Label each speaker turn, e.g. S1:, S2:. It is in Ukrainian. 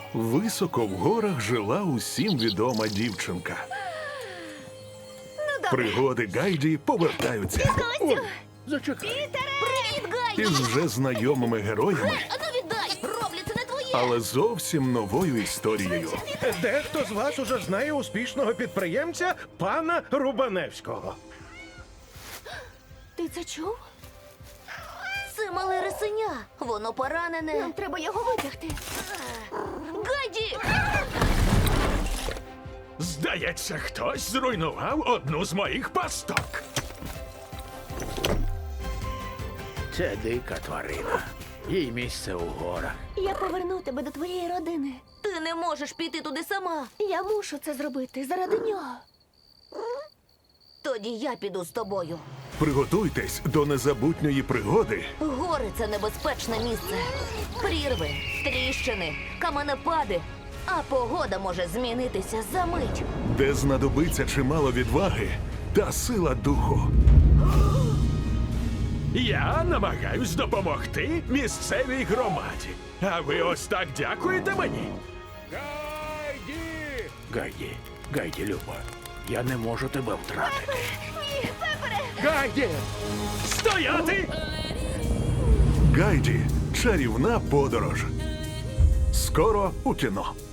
S1: Високо в горах жила усім відома дівчинка. Пригоди Гайді повертаються
S2: Зачекай.
S3: Привіт, Гайді!
S1: із вже знайомими героями,
S3: Ану віддай! Роблю, це не твоє!
S1: але зовсім новою історією.
S2: Дехто з вас уже знає успішного підприємця пана Рубаневського.
S3: Ти це чув? Це мале рисеня. Воно поранене. Нам треба його витягти. Гайді!
S4: Здається, хтось зруйнував одну з моїх пасток.
S5: Це дика тварина. Їй місце у горах.
S3: Я поверну тебе до твоєї родини. Ти не можеш піти туди сама. Я мушу це зробити заради нього. Тоді я піду з тобою.
S1: Приготуйтесь до незабутньої пригоди,
S3: Гори – це небезпечне місце. Прірви, тріщини, каменепади. А погода може змінитися за мить.
S1: де знадобиться чимало відваги та сила духу.
S4: Я намагаюсь допомогти місцевій громаді. А ви ось так дякуєте мені?
S5: Гайді, Люба, я не можу тебе втратити.
S2: Гайді!
S4: Стояти!
S1: Гайді. Чарівна подорож. Скоро у кіно.